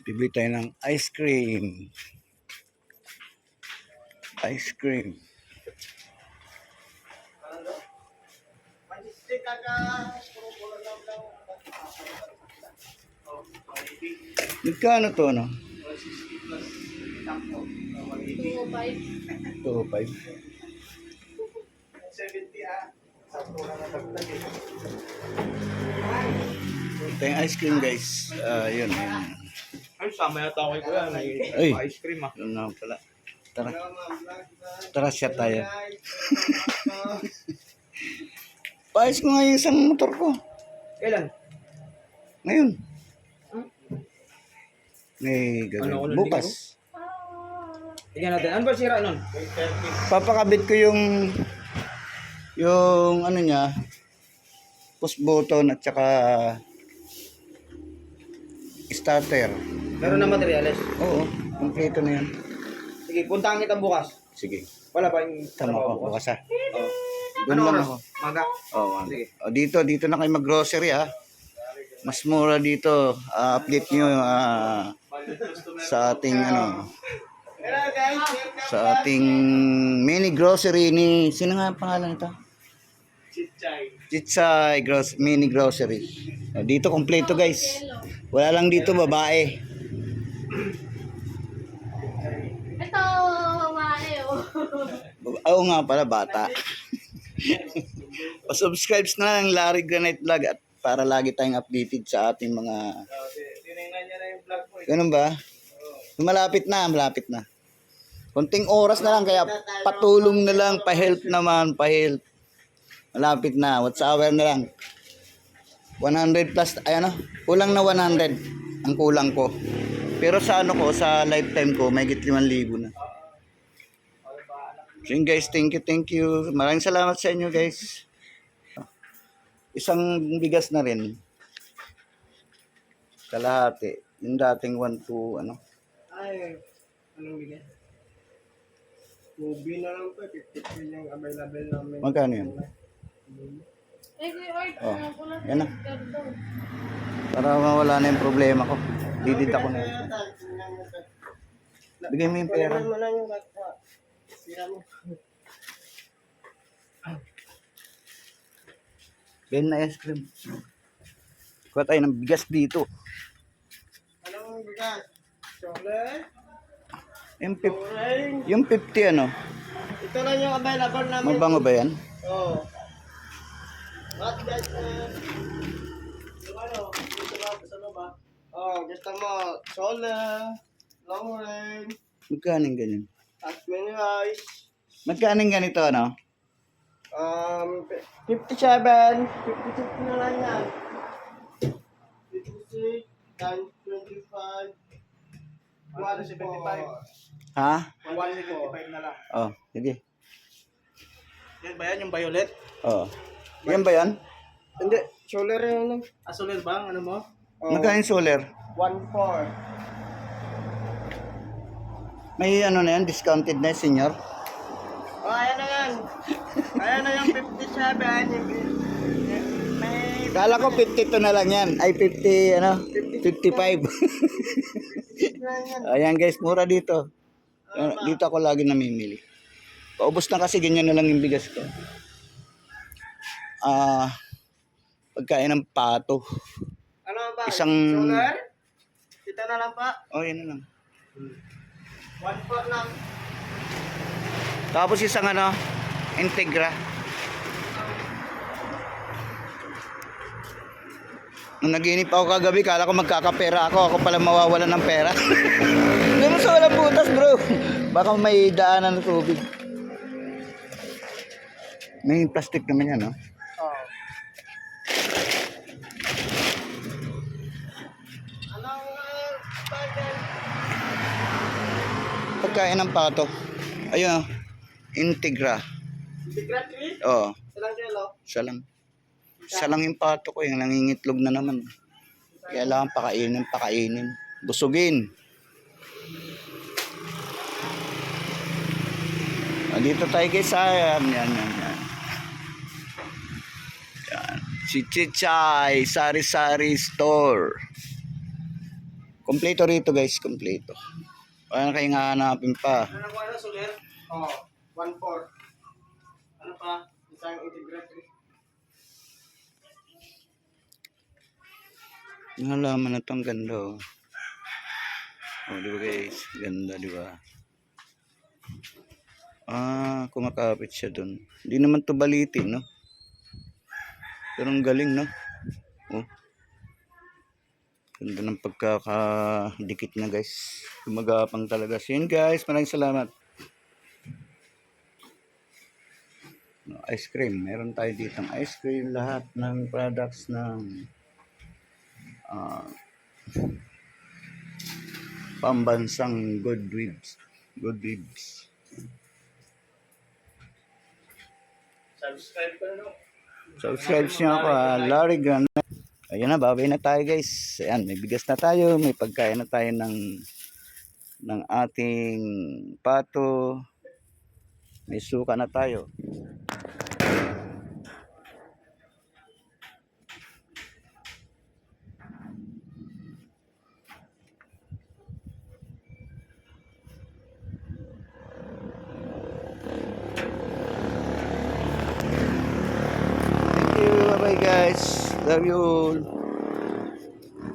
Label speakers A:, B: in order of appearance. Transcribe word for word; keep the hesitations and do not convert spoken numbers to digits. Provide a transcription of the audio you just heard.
A: Bibili tayo ng ice cream. Ice cream. Magkano to, no?
B: two oh five.
A: two oh five. Ito yung ice cream, guys. Ah, yun, yun.
C: Ay, sama yata ako ko yan.
A: Ay.
C: Ice cream ah.
A: Yun na pala. Tara. Tara, siya tayo. Paayos ko nga yung isang motor ko.
C: Kailan?
A: Ngayon. May gagawin.
C: Ano, ano,
A: Bukas.
C: Tingnan natin. Ano ba sira nun?
A: Papakabit ko yung yung ano niya, push button at saka starter.
C: Meron na materyales.
A: Oo, kompleto na yan.
C: Sige, puntahan kita bukas.
A: Sige.
C: Wala ba yung
A: Tama
C: trabaho
A: ko bukas ha.
C: Oo.
A: Doon
C: Ano
A: lang
C: oras?
A: ako.
C: Maga?
A: Oo. Oh,
C: Sige.
A: oh, dito, dito na kayo mag-grocery ha. Mas mura dito. Ah, update nyo ah, sa ating ano, sa ating mini grocery ni, sino nga ang pangalan nito?
C: Chichay.
A: Chichay gross, mini grocery. Oh, dito kompleto guys. Wala lang dito babae.
B: Ito, babae oh.
A: Oo nga pala, bata. Pa-subscribe na lang Larry Granite Vlog at para lagi tayong updated sa ating mga...
C: Tinignan niya na yung vlog mo.
A: Ganun ba? Malapit na, malapit na. Konting oras na lang, kaya patulong na lang, pa-help naman, pa-help. Malapit na, what's hour na lang. one hundred plus, ay ano, kulang na one hundred ang kulang ko. Pero sa ano ko, sa lifetime ko, may higit limang libo na. So yun guys, thank you, thank you. Maraming salamat sa inyo guys. Isang bigas na rin. Kalahati. Yung dating one to ano.
C: Ay, anong bigyan? Movie na lang po. fifty yung available namin.
A: Magkano yun?
B: Eh, si Art,
A: Oh,
B: ano ko lang
A: yan na.
B: ganito.
A: Para mawala na yung problema ko. Didita ko na yun. Bigay mo yung pera.
C: mo lang yung kata. Sira mo.
A: Ben na ice cream. Kuha tayo ng bigas dito.
C: Anong bigas? Chocolate?
A: Yung fifty,
C: Orange?
A: yung fifty ano?
C: Ito lang yung available namin.
A: Mabango ba yan?
C: Oo. Oh. What guys? Uh, yung ano? Gusto ba? Gusto mo ba? Oh, gusto mo? Sola. Long range.
A: Magkano yung ganyan?
C: At menu rice.
A: Magkano yung ganito ano?
C: Um, fifty-seven. fifty-six na lang yan. fifty-six times twenty-five. one seventy-five.
A: Ha?
C: one seventy-five na lang.
A: Oh, sige.
C: Yan ba yan yung violet?
A: Oh. Yan ba yan?
C: Hindi. Solar yan lang. Ah, solar ba? Ano mo? Oh,
A: Magkano yung solar?
C: one four.
A: May ano na yan, discounted na yun, senior.
C: Oh, ayan na yan. Ayan na yung fifty-seven. Yung, may...
A: Kala ko fifty-two na lang yan. Ay, fifty, ano? fifty-five. Ayan guys, mura dito. Uh, dito ako lagi namimili. Paubos na kasi ganyan na lang yung bigas ko. Ah, pagkain ng pato.
C: Ano ba?
A: Isang-
C: Solar? Kita na lang pa.
A: Oh, yan na lang.
C: one four lang.
A: Tapos isang ano, Integra. Nung naginip ako kagabi, kala ko magkakapera ako. Ako pala mawawalan ng pera. Ganun sa walang butas, bro. Baka may daanan ng tubig. May plastic naman yan, no?
C: Oh. Anong uh, budget?
A: Pagkain ng pato. Ayun, oh. Integra.
C: Secret tree?
A: Oo,
C: Ilang kilo?
A: isa lang. Isa lang yung pato ko, yung nangingitlog na naman. Kailangan pakainin, pakainin. Busugin. Ah, dito tayo guys, ah. Yan, yan, yan, yan. Yan. Si Chichay, Sari Sari Store. Kompleto rito guys, kompleto. Wala na kayong hahanapin pa.
C: Ano ko ano, Soler? Oo, one four. Ano pa? Isang integrated.
A: Yung halaman na itong ganda oh. Oh, di ba guys? Ganda, di ba? Ah, kumakapit siya dun. Hindi naman to balitin, no? Pero ang galing, no? Oh. Ganda ng pagkakadikit na guys. Gumagapang talaga. So yun guys, maraming salamat. Ice cream. Meron tayo dito ng ice cream. Lahat ng products ng ah, pambansang good ribs. Good ribs.
C: Subscribe ka na, no?
A: Subscribe nyo ako ha. Larry Grande. Ayun na, babay na tayo guys. Ayan, may bigas na tayo. May pagkain na tayo ng ng ating pato. May suka na tayo. Thank you. Bye bye guys. Love you all.